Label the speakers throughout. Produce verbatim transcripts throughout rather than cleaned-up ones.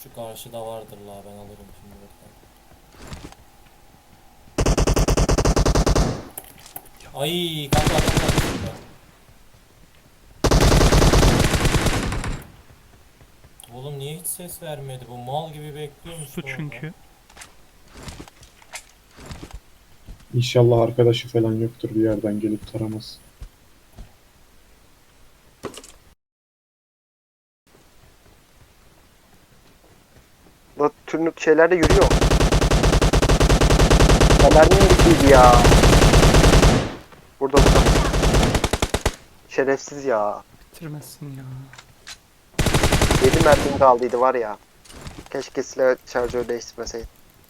Speaker 1: Şu karşıda vardır la, ben alırım şimdi buradan. Ay kanka adam var. Oğlum niye hiç ses vermedi bu, mal gibi bekliyormuş
Speaker 2: Su
Speaker 1: orada.
Speaker 2: çünkü.
Speaker 3: İnşallah arkadaşı falan yoktur, bir yerden gelip taramaz.
Speaker 4: Bu türlü şeyler de yürüyor. Fener'in gibiydi ya. Burada burada. Şerefsiz ya.
Speaker 2: Bitirmezsin ya.
Speaker 4: yedi mermim kaldıydı var ya. Keşke silah şarjör değiştirmeseydim.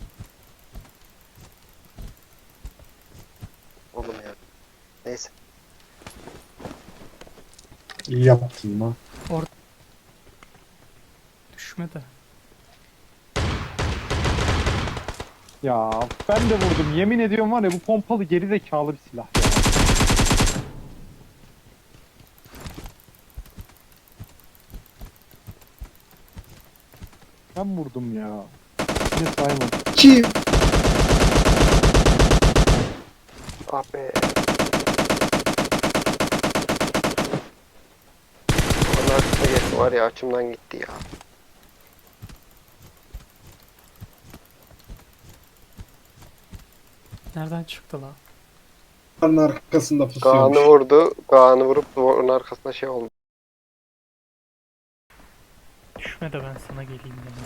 Speaker 4: Oğlum ya. Neyse.
Speaker 3: İyi yaptın lan.
Speaker 2: Düşme de.
Speaker 5: Ya ben de vurdum. Yemin ediyorum var ya, bu pompalı geri zekalı bir silah ya. Ben vurdum ya. Ne saymadım.
Speaker 3: Kim?
Speaker 4: Ah be. Onun arkasına geçti var ya, açımdan gitti ya.
Speaker 2: Nereden çıktı la?
Speaker 3: Onun arkasında
Speaker 4: Kaan'ı
Speaker 3: pusuyormuş.
Speaker 4: vurdu. Kaan'ı vurup onun arkasına şey oldu.
Speaker 2: Düşme de ben sana geleyim dedim.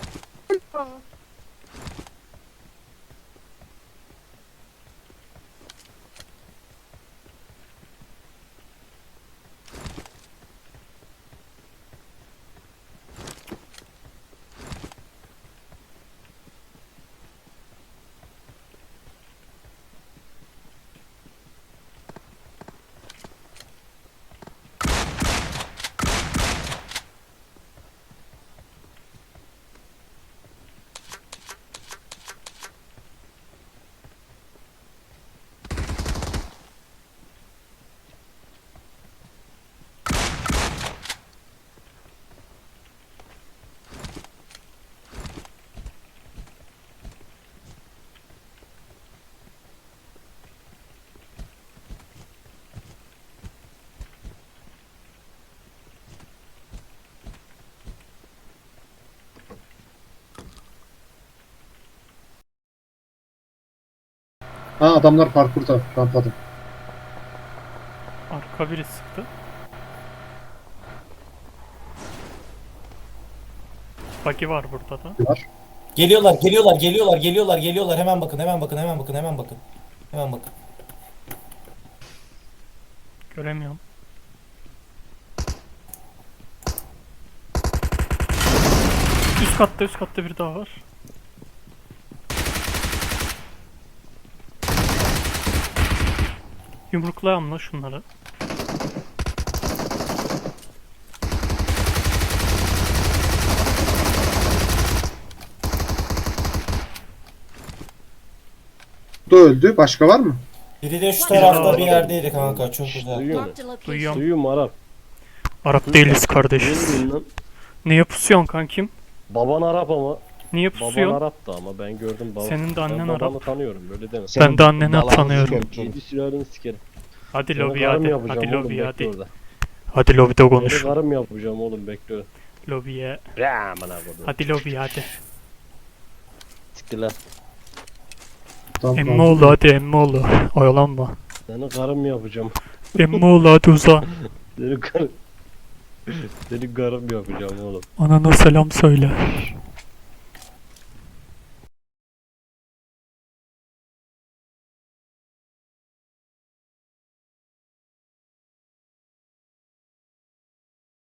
Speaker 3: Ha, adamlar parkurda, rampada.
Speaker 2: Arka biri sıktı. Buggy var burada da.
Speaker 3: Var.
Speaker 1: Geliyorlar geliyorlar geliyorlar geliyorlar geliyorlar, hemen bakın hemen bakın hemen bakın hemen bakın. Hemen bakın.
Speaker 2: Göremiyorum. Üst katta üst katta bir daha var. Yumruklayalım la şunları.
Speaker 3: Bu da öldü. Başka var mı?
Speaker 1: Biri de şu tarafta bir yerdeydi kanka, çok güzel.
Speaker 6: Duyuyor musun?
Speaker 7: Marked a location.
Speaker 2: Duyuyorum.
Speaker 6: Duyuyorum Arap.
Speaker 2: Arap değiliz kardeşiz.
Speaker 6: Ne bileyim lan?
Speaker 2: Niye pusuyorsun kankim?
Speaker 6: Baban Arap ama.
Speaker 2: Niye
Speaker 6: Baban
Speaker 2: pusuyorsun?
Speaker 6: Arap'tı ama ben gördüm baba.
Speaker 2: Senin de annen
Speaker 6: ben babanı
Speaker 2: Arap.
Speaker 6: tanıyorum, böyle deme.
Speaker 2: Ben de anneni tanıyorum.
Speaker 6: Yedi silahını sikerim.
Speaker 2: Hadi
Speaker 6: Seni
Speaker 2: lobiye
Speaker 6: karım
Speaker 2: hadi.
Speaker 6: yapacağım
Speaker 2: Hadi
Speaker 6: oğlum,
Speaker 2: lobiye
Speaker 6: bekle
Speaker 2: hadi.
Speaker 6: orada.
Speaker 2: Hadi lobide
Speaker 6: Seni
Speaker 2: konuş.
Speaker 6: karım yapacağım oğlum, bekle.
Speaker 2: Lobiye.
Speaker 6: Aman abi.
Speaker 2: Hadi lobiye hadi.
Speaker 6: Siktir lan.
Speaker 3: Tamam,
Speaker 2: Emmoğlu hadi Emmoğlu. Oyalanma.
Speaker 6: Seni karım yapacağım.
Speaker 2: Emmoğlu hadi uza.
Speaker 6: Seni karım... Seni karım yapacağım oğlum.
Speaker 2: Anana selam söyle.